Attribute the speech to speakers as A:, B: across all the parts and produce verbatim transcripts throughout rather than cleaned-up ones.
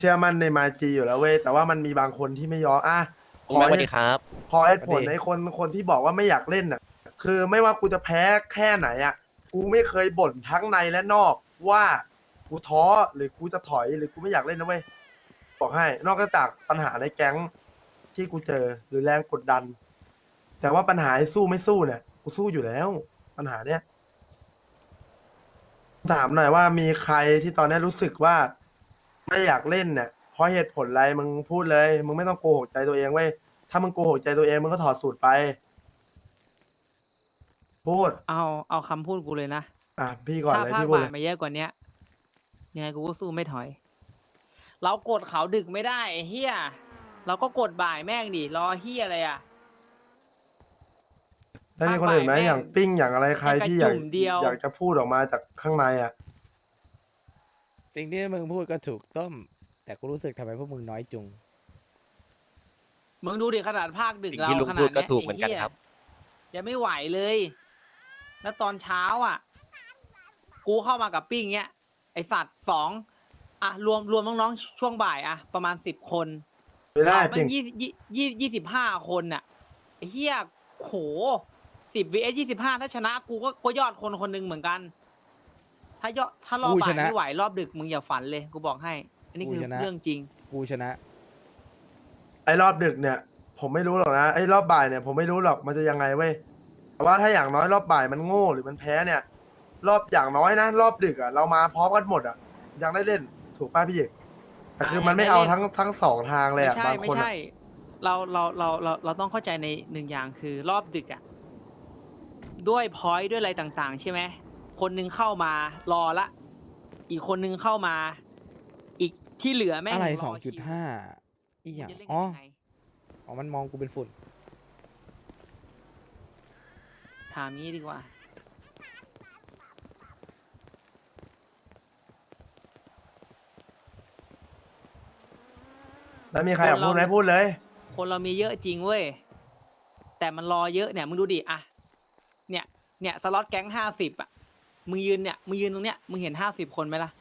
A: เชื่อมั่นในมาจีอยู่แล้วเว้ยแต่ว่ามันมีบางคนที่ไม่ยอมอ่ะข
B: คุณแม็กสวัส
A: อเหตุ
B: ดีครับ
A: ขอเหตุ
C: สวัสดี
A: ผลในคนคนที่บอกว่าไม่อยากเล่นน่ะคือไม่ว่ากูจะแพ้แค่ไหนอ่ะกูไม่เคยบ่นทั้งในและนอกว่ากูท้อหรือกูจะถอยหรือกูไม่อยากเล่นนะเว้ยบอกให้นอกจากปัญหาในแก๊งที่กูเจอหรือแรงกดดัน แต่ว่าปัญหาไอ้สู้ไม่สู้เนี่ยกูสู้อยู่แล้วปัญหาเนี้ยถามหน่อยว่ามีใครที่ตอนนี้รู้สึกว่าไม่อยากเล่นเนี่ยเพราะเหตุผลอะไรมึงพูดเลยมึงไม่ต้องโกหกใจตัวเองเว้ยถ้ามึงโกหกใจตัวเองมึงก็ถอดสูตรไปพูด
D: เอาเอาคำพูดกูเลยนะ
A: อ่ะพี่ก่อน
D: ถ้า
A: เลย
D: ภาค
A: พี่พูด
D: บ่า
A: เลย ย
D: มาเยอะกว่าเนี้ยยังไงกูก็สู้ไม่ถอย เรากดเขาดึกไม่ได้ไอ้เฮียเราก็กดบ่ายแม่งดิรอเฮียอะไรอ่ะ
A: แล้วมีคนอื่นไหม
D: ภาคบ่ายแม่ง
A: อย่างปิ้งอย่างอะไรใคร
D: ยังกระ
A: ที่อยาก
D: จุ่มเดียว
A: อยากจะพูดออกมาจากข้างในอ่ะ
C: สิ่งที่มึงพูดก็ถูกต้ม แต่กูรู้สึกทำไมพวกมึงน้อยจุง
D: มึงดูดิขนาดภาคดึก
B: สิ่ง
D: เรา
B: ที่ลุง
D: ข
B: พู
D: นา
B: ด
D: ด
B: ก็
D: เนี้ย
B: ถูกเหมือนกัน
D: ไหี้ย
B: ครับ
D: ยังไม่ไหวเลย แล้วตอนเช้าอ่ะ กูเข้ามากับปิ้งเนี้ยไอสัตว์สองอ่ะรวมรวมน้องๆช่วงบ่ายอ่ะประมาณสิบคน
A: ไม่ได้
D: เราแม่
A: ปิ้ง
D: งยี่ยี่ยี่ยี่สิบห้าคนน่ะไอ้เฮียโหสิบวีเอสยี่สิบห้าถ้าชนะกูก็ก็ยอดคนคนหนึ่งเหมือนกัน ถ้ายอดถ้ารอบ
C: กู
D: บ่า
C: ช
D: ย
C: นะ
D: ไม่ไหวรอบดึกมึงอย่าฝันเลยกูบอกให้ อันนี้
C: กู
D: คือ
C: ชนะ
D: เรื่องจริง
C: กูชนะ
A: ไอ้รอบดึกเนี่ย ผมไม่รู้หรอกนะไอ้รอบบ่ายเนี่ยผมไม่รู้หรอกมันจะยังไงเว้ยแต่ว่าถ้าอย่างน้อยรอบบ่ายมันโง่หรือมันแพ้เนี่ย รอบอย่างน้อยนะรอบดึกอ่ะเรามาพร้อมกันหมดอ่ะยังได้เล่นถูกป้าพี่เอกแต่คือมันไม่เอาทั้งทั้งสองทางเลย
D: ไม่
A: อ่ะ
D: ใช่
A: บาง
D: ไม่
A: คน
D: ใช่
A: อะ
D: เราเราเราเราเราต้องเข้าใจในหนึ่งอย่างคือรอบดึกอ่ะด้วยพอยต์ด้วยอะไรต่างๆ ใช่ไหมคนหนึงเข้ามารอละ อีกคนนึงเข้ามา อีกที่เหลือแม่ง
C: อะไร
D: ร
C: สองจุด
D: คิว
C: ห้าอีหยัง
D: จะเล่น
C: อ๋
D: กั
C: อน
D: ยังไง
C: อ๋อ มันมองกูเป็นฝุ่น
D: ถามงี้ดีกว่า
A: แล้วมีใครอยากพูดไหมพูดเลย
D: คนเรามีเยอะจริงเว้ย แต่มันรอเยอะเนี่ย มึงดูดิอะเนี่ย เนี่ยสล็อตแก๊งห้าสิบอะมึงยืนเนี่ย มึงยืนตรงเนี้ย มึงเห็นห้าสิบคนไหมล่ะ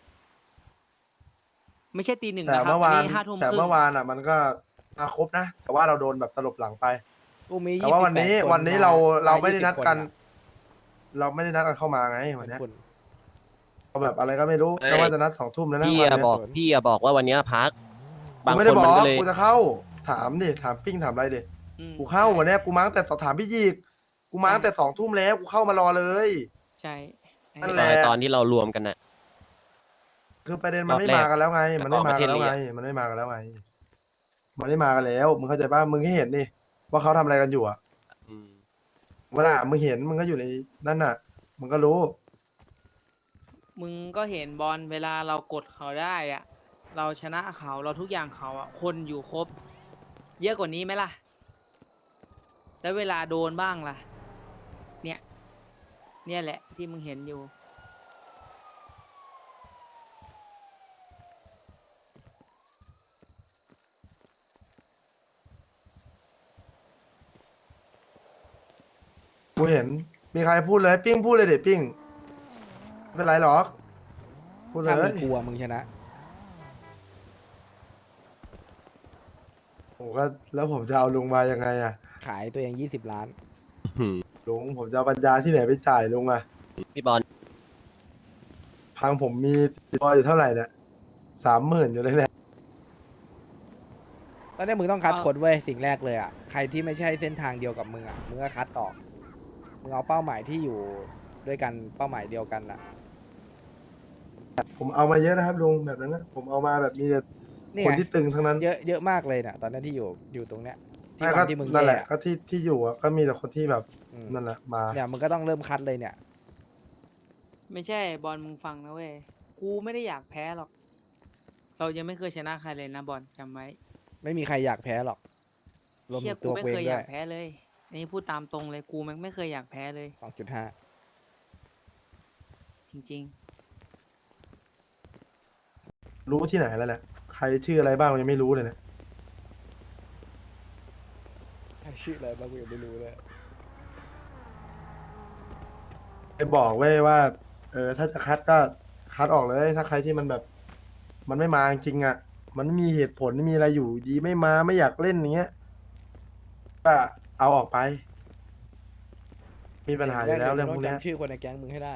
D: ไม่ใช่ตีหนึ่ง
A: แต่
D: นะครับ
A: เมื่อวาน
D: นี้ห้าทุ่ม
A: แต่
D: ครึ่ง
A: เมื่อวานอ่ะ มันก็มาครบนะ แต่ว่าเราโดนแบบตลบหลังไป
C: กูมี
A: แต่ว่าวันนี้
C: ยี่สิบแปดค
A: วันนี้เรา
C: ม
A: เราไม่ได้
C: ยี่สิบ
A: นัดกัน
C: คอะ
A: เราไม่ได้นัดกันเข้ามาไงวัน
C: เป็น
A: เนี้ย
C: ฝุ่น
A: เราแบบอะไรก็ไม่รู้
B: เอ้ย
A: ก็ว่าจะนัดสองทุ่มแล้วนะ
B: พี่
A: วัน
B: อะ
A: เนี้ย
B: บอก
C: สวน
B: พี่อะบอกว่าวันเนี้ยพัก บาง
A: กูไม่
B: ค
A: ได้
B: น
A: บอ
B: มัน
A: ก
B: ก็เลย
A: กูจะเข้าถามดิถามปิ้งถามอะไรดิ
D: อืม
A: กูเข้าวันเนี้ยกูมาตั้งแต่สอบถามพี่ยีกกูมาตั้งแต่สองทุ่มแล้วกูเข้ามารอเลย
D: ใช่
A: นั่นแหละ
B: ตอนที่เรารวมกันน่ะ
A: คือประเด็นมันไม่
B: รอบแรก
A: มากันแล้วไง มันไม่
B: แล้วก็
A: มากันแล้ว
B: ประเทศ
A: ไง
B: เลีย
A: มันไม่มากันแล้วไง มันไม่มากันแล้ว มึงเข้าใจป่ะ มึงให้เห็นดิว่าเขาทำอะไรกันอยู่อ่ะ
B: อืม
A: เวลามึงเห็นมึงก็อยู่ในนั่นน่ะ มึงก็รู้
D: มึงก็เห็นบอลเวลาเรากดเขาได้อะเราชนะเขาเราทุกอย่างเขาอะคนอยู่ครบ เยอะกว่านี้ไหมล่ะ แล้วเวลาโดนบ้างล่ะ เนี่ย เนี่ยแหละที่มึงเห็นอยู่
A: กูเห็น มีใครพูดเลย ปิ้งพูดเลยเด็ปิ้งไม่เป็นไรหรอก พูดเล
C: ถ้ามึ
A: ย
C: งกลัวมึงชนะ
A: โอ้ก็แล้วผมจะเอาลุงมายังไงอ่ะ
C: ขายตัวเองยี่สิบล้าน
B: หืม
A: ลุงผมจะเอาปัญญาที่ไหนไปจ่ายลุงอ่ะ
B: พี่บอล
A: พังผมมีตัวอยู่เท่าไหร่เนี่ยสามหมื่นอยู่เลยเนี่ย
C: ตอนนี้มึงต้องคัด
D: เอา
C: คนเว้ยสิ่งแรกเลยอ่ะ ใครที่ไม่ใช่เส้นทางเดียวกับมึงอ่ะ มึงก็คัดออก มึงเอาเป้าหมายที่อยู่ด้วยกันเป้าหมายเดียวกันอ่ะ
A: ผมเอามาเยอะนะครับลุงแบบนั้นนะผมเอามาแบบมีแต่
C: นี่
A: คน
C: ไง
A: ที่ตึงทั้งนั้น
C: เยอะเยอะมากเลยน่ะ ตอนนั้นที่อยู่อยู่ตรงเนี้ย ที่
A: ไม่
C: วั
A: ก็
C: นที่มึง
A: นั่นแห
C: แย่
A: ละก็ที่ที่อยู่อ่ะก็มีแต่คนที่แบบ
C: อืม
A: นั่นแหละมา
C: เนี่ยมึงก็ต้องเริ่มคัดเลยเนี่ย
D: ไม่ใช่บอลมึงฟังนะเว้ย กูไม่ได้อยากแพ้หรอก เรายังไม่เคยชนะใครเลยนะบอลจำไว้
C: ไม่มีใครอยากแพ้หรอก รวม
D: เชี่
C: ถึ
D: ย
C: ง
D: กู
C: ตัว
D: ไม่
C: กูเอ
D: เค
C: ง
D: ยอ
C: ด้
D: ยา
C: วย
D: กแพ้เลย อันนี้พูดตามตรงเลย กูแม่งไม่เคยอยากแพ้เลย
C: สองจุดห้า
D: จริง
A: รู้ที่ไหนแล้วแหละใครชื่ออะไรบ้างยังไม่รู้เลยเนี่ย
C: ชื่ออะไรบ้างกูยังไม่รู้เลย
A: ไปบอกเว้ยว่า เออถ้าจะคัดก็คัดออกเลย ถ้าใครที่มันแบบ มันไม่มาจริงๆอ่ะมันไม่มีเหตุผลไม่มีอะไรอยู่ดีไม่มาไม่อยากเล่นอย่างเงี้ยก็เอาออกไป มีปัญหาอยู่แล้วเรื่องพวก
C: มึ
A: เนี้ย
C: จำชื่อคนในแก๊งมึงให้ได้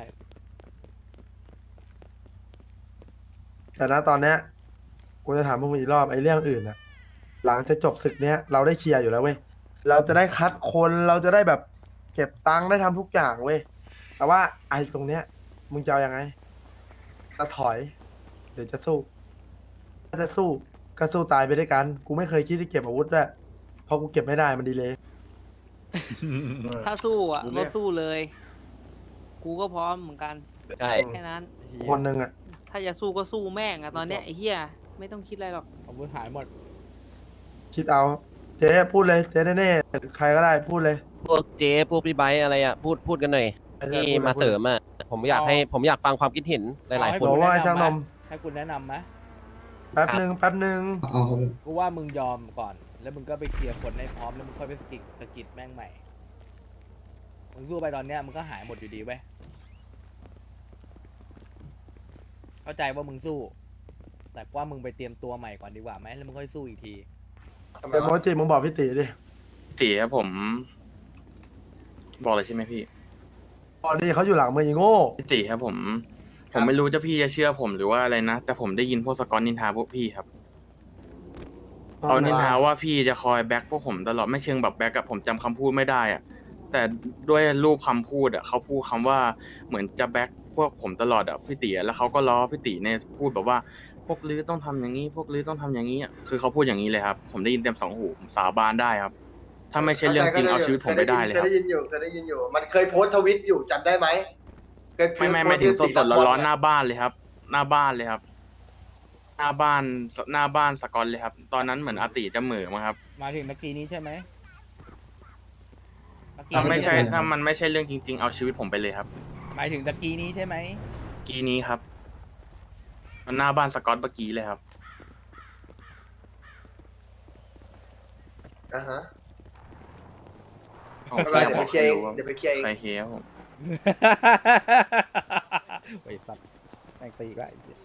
A: แต่ณตอนเนี้ยกูจะถามพวกมึงอีกรอบไอ้เรื่องอื่นนะหลังจะจบศึกเนี้ยเราได้เคลียร์อยู่แล้วเว้ยเราจะได้คัดคนเราจะได้แบบเก็บตังค์ได้ทำทุกอย่างเว้ยแต่ว่าไอ้ตรงเนี้ยมึงจะเอายังไงจะถอยหรือจะสู้ถ้าจะสู้ก็สู้ตายไปด้วยกัน กูไม่เคยคิดจะเก็บอาวุธด้วยเพราะกูเก็บไม่ได้มันดีเลย
D: ถ้าสู้อ่ะ
A: รู้เรื่
D: ก็
A: อง
D: สู้เลย กูก็พร้อมเหมือนกัน
B: ใช่
D: แค่นั้น
A: คนหนึ่งอ่ะ
D: ถ้าจะสู้ก็สู้แม่งอะตอนเนี้ยไอ้เหี้ยไม่ต้องคิดอะไรหรอก
C: อาวุธหายหมด
A: คิดเอา เจ๊พูดเลยเจ๊แน่ๆใครก็ได้พูดเลย
B: พวกเจ๊พวกพี่ไบค์อะไรอ่ะพูดพูดกันหน่อย
A: ไอ้เจ๊
B: ที่
A: พูดลย
B: มา
A: พูดลย
B: เสริมอ่ะผมอยากให้ผมอยากฟังความคิดเห็นหลาย
C: เอาให้
B: ๆ คน
A: บอกว่าไอ้ช่างนม
C: ให้คุณแนะนำไหม
A: แป๊บหนึ่งแป๊บหนึ่ง
E: เอาครับ
C: กูว่ามึงยอมก่อน แล้วมึงก็ไปเคลียร์คนให้พร้อมแล้วมึงค่อยไปสกิดสกิดแม่งใหม่มึงสู้ไปตอนเนี้ยมึงก็หายหมดอยู่ดีเว้ยเข้าใจว่ามึงสู้ แต่ว่ามึงไปเตรียมตัวใหม่ก่อนดีกว่าไหมแล้วมึงค่อยสู้อีกที
A: เป็นโมจิมึงบอกพี่ตีดิ
F: ตีครับผม บอกเลยใช่ไหมพี่
A: ตอนนี้เขาอยู่หลังมืออีโง่
F: พี่ตีครับผม ผมไม่รู้จะพี่จะเชื่อผมหรือว่าอะไรนะ แต่ผมได้ยินพวกสกอตนินทาพวกพี่ครับเขานินทาว่าพี่จะคอยแบ็กพวกผมตลอดไม่เชิงแบบแบ็กกับผมจำคำพูดไม่ได้อะแต่ด้วยรูปคำพูดอะเขาพูดคำว่าเหมือนจะแบ็กพวกผมตลอดอะพี่ตีอะแล้วเขาก็ล้อพี่ตีในพูดแบบว่าพวกลื้อต้องทำอย่างนี้ พวกลื้อต้องทำอย่างนี้อะคือเขาพูดอย่างนี้เลยครับ ผมได้ยินเต็มสองหูผมสาบานได้ครับ ถ้าไม่ใช่เรื่องจริงเอาชีวิตผมไปได้เลย
G: เค
F: ค
G: ย
F: รับ
G: ได้ยินอยู่เคยได้ยินอยู่ มันเคยโพสต์ทวิตอยู่จำได้ไหมเคยโพ
F: ไม่
G: สต์
F: ไม่ไม่ถึง
G: โพ
F: ส
G: ส
F: ด
G: ต์
F: สด
G: ที่
F: ร้อนๆห
G: ตี
F: น้าบ้านเลยครับ หน้าบ้านเลยครับ หน้าบ้านหน้าบ้านสกอตเลยครับ ตอนนั้นเหมือนอาติจะเหม่อมั้งครับ
C: มาถึงเมื่อกี้นี้ใช่ไหมเมื่อกี้
F: ถ้าไม่ใช่
E: ไม่ใช่
F: ถ้ามันไม่ใช่เรื่องจริง ๆ เอาชีวิตผมไปเลยครับ
C: หมายถึงตะกี้นี้ใช่ไหม
F: กีนี้ครับมันหน้าบ้านสกอตเมื่อกี้เลยครับ
G: อ่าฮะ
F: ของ
G: ไม่เป็นไร
F: พี่
G: เดี๋ยวไปเคลียร์เอง
F: บอก
G: เดี๋ยวไปเคลียร์เอง
F: ใครเคลียร์ครับผม
C: ไอ้สัตว์แม่งตีอีก็ไอ้เหี้ย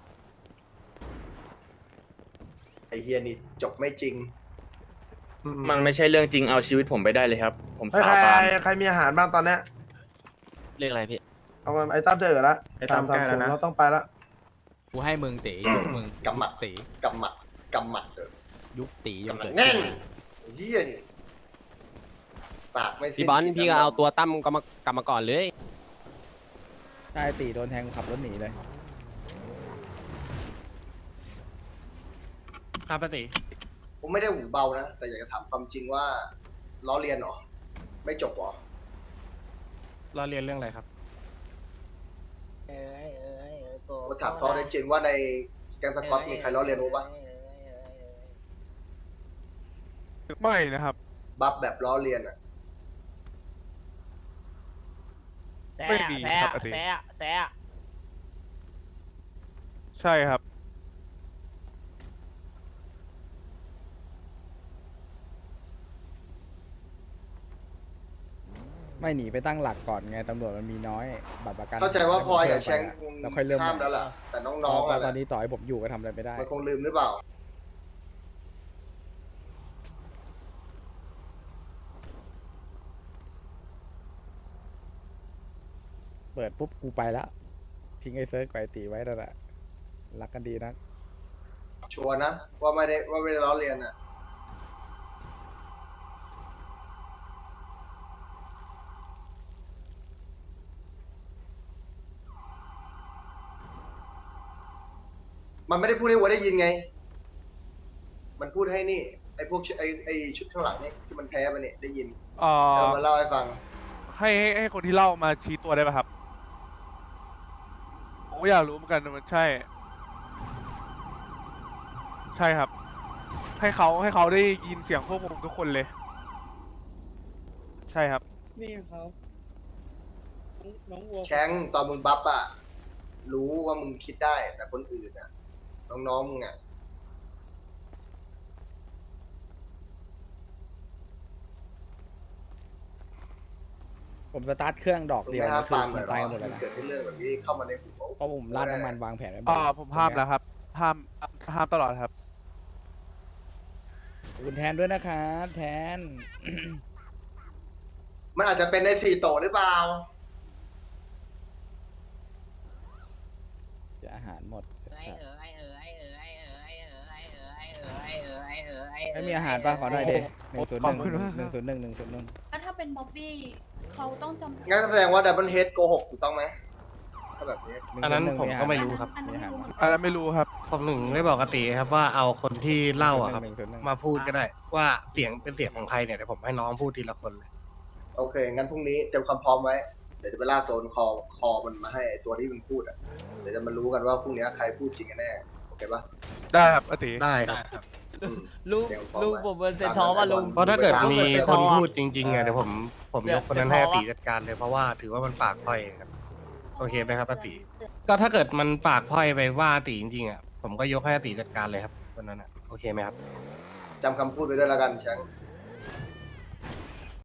G: ไอเฮียนี่จบไม่จริง
A: อื
F: มันไม่ใช่เรื่องจริงเอาชีวิตผมไปได้เลยครับ ผม
A: เฮ้ย
F: สา
A: ใคร
F: บาน
A: ใครมีอาหารบ้างตอนเนี้ย
B: เรียกอะไรพี่
A: เอามาไอ้ตั้มจะเอ๋อละ
F: ไอ้ตั้มใกล้แล้วนะ
A: เราต้องไปละ
H: กูให้มึงตียกมึง
G: กำหมัด
H: ตี
G: กำหมัดกำหมัดเออ
H: ยุบตียก
G: กำหมัด
H: เกิด
G: แน่น
H: ขึ้น
G: ไอ้เฮียนี่ปากไม่สิ้น
B: พี่บอลพี่ก็เอาตัวตั้มกลับมากลับมาก่อนเลย
C: ใช่ตีโดนแทงขับรถหนีเลย
H: ครับปติ
G: ผมไม่ได้หูเบานะ แต่อยากจะถามความจริงว่าล้อเลียนเหรอ ไม่จบเหรอ
H: เราเรียนเรื่องอะไรครับ
G: ผมถามเขาได้จริงว่าในแกงสกอตมีใครล้อเลียนรู้ปะ
I: ไม่นะครับ
G: บัฟแบบล้อเลียนอ่ะ
I: ไม่มีครับอาทิตย์ใช่ครับ
C: ไม่หนีไปตั้งหลักก่อนไงตำรวจมันมีน้อยบัตรประกัน
G: เข้าใจว่าพลอยกับแชง
C: แล้วค่อยเริ่ม
G: ห้ามแล้วล่ะ แต่น้องๆ
C: ต
G: อะ
C: ตอนนี้ต่อให้ผมอยู่ก็ทำอะไรไม่ได้
G: มันคงลืมหรือเปล่า
C: เปิดปุ๊บกูไปแล้วทิ้งไอ้เซิร์ฟไก่ตีไว้นั่นแหละรักกันดีนะ
G: ชัวร์นะ ว่าไม่ได้ว่าไม่ได้ล้อเลียนอ่ะ มันไม่ได้พูดให้วัวได้ยินไง มันพูดให้นี่ ไอ้พวกชุดไอ้ไอ้ชุดข้างหลังนี่ที่มันแพ้มาเนี่ยได้ยิน
I: เอ่
G: แล้ว
I: อ
G: มาเล่าให้ฟัง
I: ให้ให้ให้คนที่เล่ามาชี้ตัวได้ป่ะครับผมก็อยากรู้เหมือนกันมันใช่ ใช่ครับ ให้เขาให้เขาได้ยินเสียงพวกผมทุกคนเลย ใช่ครับ
J: นี่ครับ น้องวัว
G: แชงตอนมึงบัฟอะรู้ว่ามึงคิดได้ แต่คนอื่นอะน้องๆมึงอะ
C: ผมสตาร์ทเครื่องดอก
G: มึง
C: เดียว
G: ไม่ห้าม
C: คือ
G: ปรามห
C: มั
G: น่อน ยหร
C: ตาย
G: อ
C: กันหมดเลย
G: มัน
C: นะ
G: เกิดที่เรื่องแบบนี้เข้ามาในหัว
C: เพราะผมราดน้ำมันวางแผนไว้หมด
I: อ่าผมห้ามแล้วครับห้ามห้ามตลอดครับ
C: ขอบคุณแทนด้วยนะครับแทน
G: มันอาจจะเป็นในสี่โตะหรือเปล่า
C: จะอาหารหมด
D: ไอเออไอเออไอเออไอเออไอเออไอเออไอเออไอเออไอเออไอเออ
C: ไม่มีอาหารป่ะขอหน่อยดิหนึ่งศูนย์ห
I: ขอ
C: นึ่
I: บ
C: ง
I: คุณมาก
C: หนึ่งศูนย์หนึ่งหนึ่งศูนย์หนึ่ง
E: แล้วถ้าเป็นบ๊อบบี้เขาต้องจำ
G: งั้นแสดงว่าดับเบิลเฮดโกหกถูกต้องไหมถ้าแบบนี้
B: อันนั้นผมก็ไม่รู้ครับ
E: อันนั้นไม่รู้เหมือน
I: อั
E: กัน
I: นนั้นไม่รู้ครับ
K: ผมหนึ่งไม่บอกกติครับว่าเอาคนที่เล่าอะครับ
C: หนึ่งศูนย์หนึ่ง
K: มาพูดก็ได้ว่าเสียงเป็นเสียงของใครเนี่ยเดี๋ยวผมให้น้องพูดทีละคนเลย
G: โอเค งั้นพรุ่งนี้เตรียมความพร้อมไว้ เดี๋ยวจะไปลากตัวคอคอมันมาให้ไอ้ตัวที่มันพูดอ่ะ เดี๋ยวจะมารู้กันว่าพรุ่งนี้ใครพูดจริงกันแน่ โอเคปะ
I: ได้ครับอาติ
K: ได้ครับ
G: อืม
D: ลุง
G: เตรียมพร้อ
D: ลุง
G: ไว้
D: ผมเป็นเซนทอป่ะลุง
K: เพราะถ้าเกิดมีคน
D: เออ
K: พูดจริงๆอะเดี๋ยวผมผม
D: เดี๋
K: ย
D: ยว
K: กคนนั้นให้
D: เดี๋ยว
K: อาติ
D: พอ
K: จัดการเลยเพราะว่าถือว่ามันปากพร่อยครับโอเคไหมครับอาติก็ถ้าเกิดมันปากพร่อยไปว่าอาติจริงๆอะผมก็ยกให้อาติจัดการเลยครับคนนั้นอะโอเคไหมครับ
G: จำคำพูดไว้ด้วยแล้วกันแชงค์